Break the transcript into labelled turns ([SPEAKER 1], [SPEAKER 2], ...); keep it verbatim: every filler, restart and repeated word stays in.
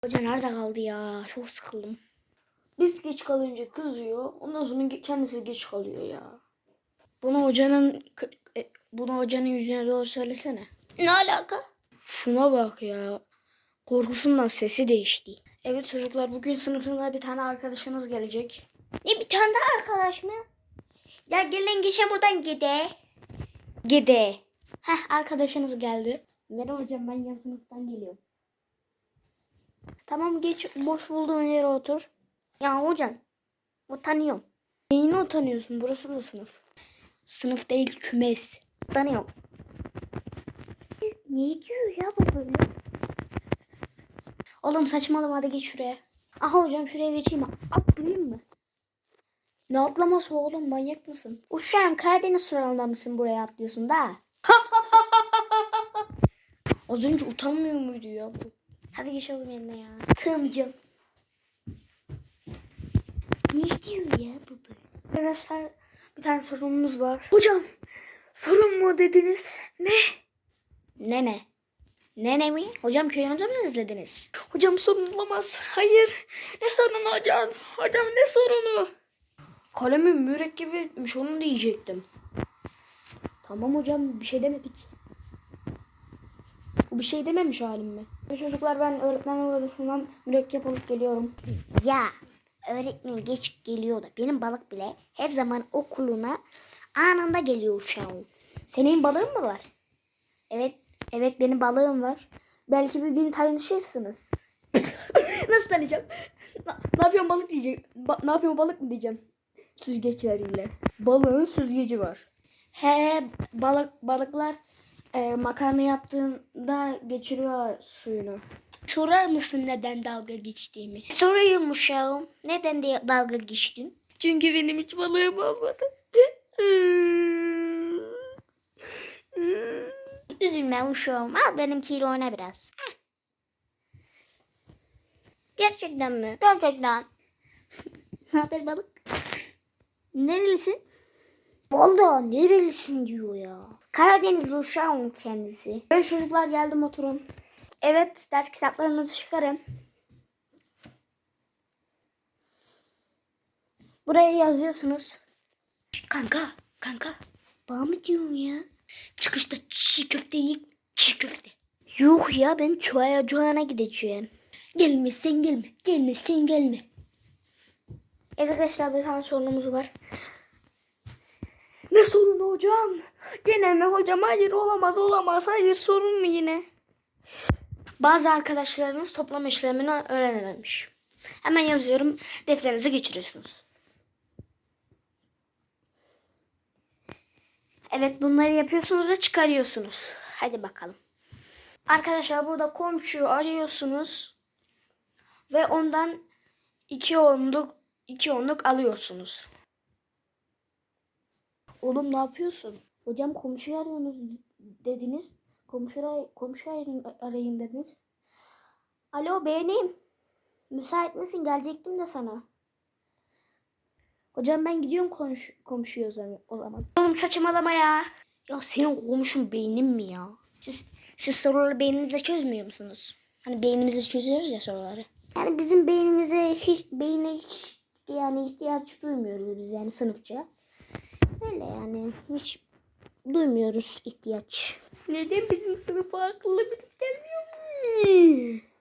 [SPEAKER 1] Hoca nerede kaldı ya? Çok sıkıldım. Biz geç kalınca kızıyor. Ondan sonra kendisi geç kalıyor ya. Bunu hocanın e, bunu hocanın yüzüne doğru söylesene. Ne alaka? Şuna bak ya. Korkusundan sesi değişti. Evet çocuklar, bugün sınıfında bir tane arkadaşınız gelecek. Ne, bir tane daha arkadaş mı? Ya gelin geçen buradan gide. Gide. Heh, arkadaşınız geldi. Merhaba hocam, ben yan sınıftan geliyorum. Tamam, geç boş bulduğun yere otur. Ya hocam, utanıyorum. Neyine utanıyorsun? Burası da sınıf. Sınıf değil, kümes. Utanıyorum. Ne diyor ya bu böyle? Oğlum saçmalama, hadi geç şuraya. Aha hocam, şuraya geçeyim. Atlayayım mı? Ne atlaması oğlum, manyak mısın? Uşağım, Karadeniz sınavında mısın, buraya atlıyorsun da? Az önce utanmıyor muydu ya bu? Hadi geçelim yerine ya. Tımcım. Ne diyor ya bu böyle? Arkadaşlar, bir tane sorunumuz var. Hocam, sorun mu dediniz? Ne? Ne ne? Nene mi? Hocam, köyünüzü mü özlediniz? Hocam, sorun olamaz. Hayır. Ne sorunu hocam? Hocam, ne sorunu? Kalemin mürekkebi etmiş, onu diyecektim. Tamam hocam, bir şey demedik. Bu bir şey dememiş halim mi? Çocuklar, ben öğretmenler odasından mürekkep alıp geliyorum.
[SPEAKER 2] Ya öğretmen geç geliyor da benim balık bile her zaman okuluna anında geliyor uşağım.
[SPEAKER 1] Senin balığın mı var? Evet, evet benim balığım var. Belki bir gün tanışırsınız. Nasıl tanıyacağım? Na, ne yapıyorsun balık diyecek. Ba- ne yapıyorsun balık mı diyeceğim? Süzgeçleriyle. Balığın süzgeci var. He, balık balıklar e, makarna yaptığında geçiriyor suyunu. Sorar mısın neden dalga geçtiğimi?
[SPEAKER 2] Soruyorum uşağım, neden diye dalga geçtin?
[SPEAKER 1] Çünkü benim hiç balığım olmadı.
[SPEAKER 2] Üzülme uşağım, al benimkiyle oyna biraz. Heh.
[SPEAKER 1] Gerçekten mi?
[SPEAKER 2] Gerçekten.
[SPEAKER 1] Ne haber balık? Nerelisin?
[SPEAKER 2] Vallahi nerelisin diyor ya.
[SPEAKER 1] Karadeniz uşağım kendisi. Evet çocuklar, geldim, oturun. Evet, ders kitaplarınızı çıkarın. Buraya yazıyorsunuz. Kanka, kanka.
[SPEAKER 2] Bana mı diyorsun ya?
[SPEAKER 1] Çıkışta çiğ köfte yiyip çiğ köfte.
[SPEAKER 2] Yok ya, ben çuaya cuana gideceğim.
[SPEAKER 1] Gelmezsen gelme, gelmezsen gelme. Evet arkadaşlar, bir tane sorunumuz var. Ne sorunu hocam? Gene mi hocam? Hayır, olamaz olamaz. Hayır, sorun mu yine? Bazı arkadaşlarınız toplam işlemini öğrenememiş. Hemen yazıyorum. Defterinize geçiriyorsunuz. Evet, bunları yapıyorsunuz ve çıkarıyorsunuz. Hadi bakalım. Arkadaşlar, burada komşuyu arıyorsunuz. Ve ondan iki onluk, iki onluk alıyorsunuz. Oğlum, ne yapıyorsun? Hocam, komşuyu arıyorsunuz dediniz. Komşu, komşu arayın, arayın dediniz. Alo, benim. Müsait misin? Gelecektim de sana. Hocam, ben gidiyorum komşu, komşuya o zaman. Oğlum, saçmalama ya.
[SPEAKER 2] Ya senin komşun beynin mi ya?
[SPEAKER 1] Siz, siz soruları beyninizle çözmüyor musunuz? Hani beynimizle çözüyoruz ya soruları.
[SPEAKER 2] Yani bizim beynimize hiç beyne hiç yani ihtiyaç duymuyoruz biz yani sınıfça. Öyle yani hiç duymuyoruz ihtiyaç.
[SPEAKER 1] Neden bizim sınıfa akıllı birisi gelmiyor mu?